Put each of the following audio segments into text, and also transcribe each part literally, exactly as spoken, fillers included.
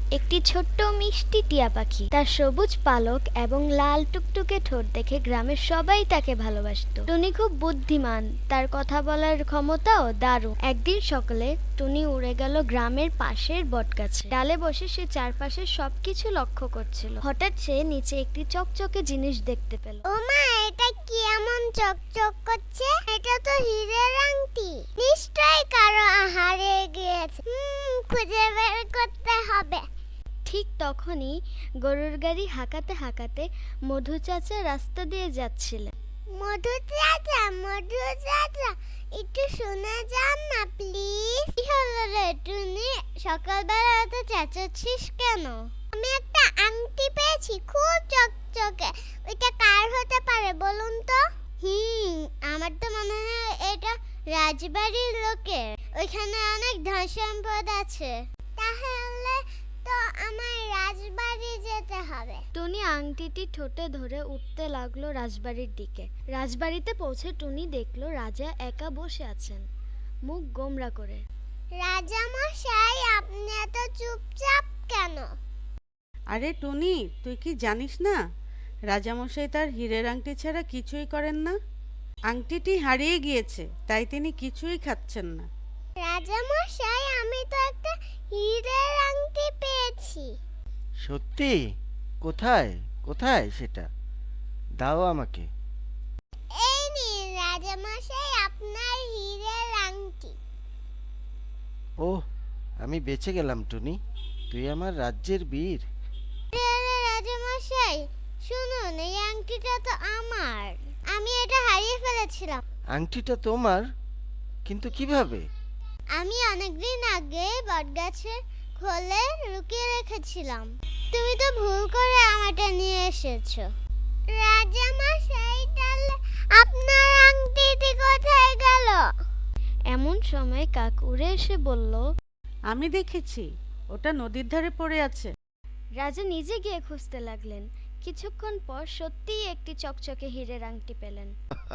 একটি ছোট্ট মিষ্টি টিয়া পাখি। তার সবুজ পালক এবং লাল টুকটুকে ঠোঁট দেখে গ্রামের সবাই তাকে ভালোবাসতো। টুনি খুব বুদ্ধিমান, তার কথা বলার ক্ষমতাও দারুণ। একদিন সকালে টুনি উড়ে গেল গ্রামের পাশের বটগাছে। ডালে বসে সে চারপাশের সবকিছু লক্ষ্য করছিল। হঠাৎ সে নিচে একটি চকচকে জিনিস দেখতে পেল। ওমা, এটা কি এমন চকচক করছে? এটা তো হীরের আংটি। নিশ্চয়ই কারো হারিয়ে গিয়েছে। হুম, খুঁজে বের করতে হবে। ঠিক তখনই গরুর গাড়ি হাঁকাতে হাঁকাতে মধু চাচা রাস্তা দিয়ে যাচ্ছিলেন। মধু চাচা, মধু চাচা, একটু শুনে যান না প্লিজ। কি হলো রে টুনি, সকালবেলা এত চেঁচাচ্ছিস কেন? আমি একটা আংটি পেয়েছি, খুব চকচকে। ওইটা কার হতে পারে বলুন তো? হুম, আমার তো মনে হয় এটা রাজবাড়ির লোকের। ওইখানে অনেক ধন সম্পদ আছে। তাহলে তো আমার রাজবাড়ি যেতে হবে। টুনি আংটিটি ঠোঁটে ধরে উঠতে লাগলো রাজবাড়ির দিকে। রাজবাড়িতে পৌঁছে টুনি দেখলো রাজা একা বসে আছেন, মুখ গোমড়া করে। রাজা মশাই, আপনি এত চুপচাপ কেন? আরে টুনি, তুই কি জানিস না রাজামশাই তার হীরের আংটি ছাড়া কিছুই করেন না। আংটিটি হারিয়ে গিয়েছে, তাই তিনি কিছুই খাচ্ছেন না। রাজা মশাই, আমি তো একটা হীরের আংটি পেয়েছি। সত্যি? কোথায় কোথায় সেটা? দাও আমাকে। এই নিন রাজা মশাই, আপনার হীরের আংটি। ওহ, আমি বেঁচে গেলাম টুনি, তুই আমার রাজ্যের বীর। রাজা মশাই শুনুন, এই আংটিটা তো আমার। আমি এটা হারিয়ে ফেলেছিলাম। আংটিটা তোমার? কিন্তু কিভাবে? আমি অনেকদিন আগে বটগাছের খোলে লুকিয়ে রেখেছিলাম। তুমি তো ভুল করে আমারটা নিয়ে এসেছো। রাজা মশাই, তাহলে আপনার আংটিটি কোথায় গেল? এমন সময় কাক উড়ে এসে বলল, আমি দেখেছি, ওটা নদীর ধারে পড়ে আছে। রাজা নিজে গিয়ে খুঁজতে লাগলেন। কিছুক্ষণ পর সত্যিই একটি চকচকে হীরের আংটি পেলেন।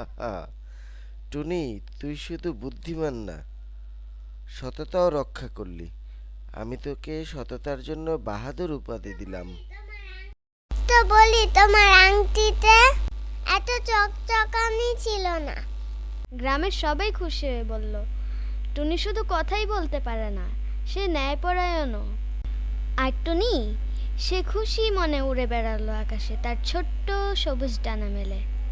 টুনি, তুই শুধু বুদ্ধিমান না, সততাও রক্ষা করলি। আমি তোকে সততার জন্য বাহাদুর উপাধি দিলাম। তো বলি, তোমার আংটিতে এত চকচকানি ছিল না। গ্রামের সবাই খুশি হয়ে বলল, টুনি শুধু কথাই বলতে পারে না, সে ন্যায়পরায়ণও। আর টুনি সে খুশি মনে উড়ে বেড়ালো আকাশে, তার ছোট্ট সবুজ ডানা মেলে।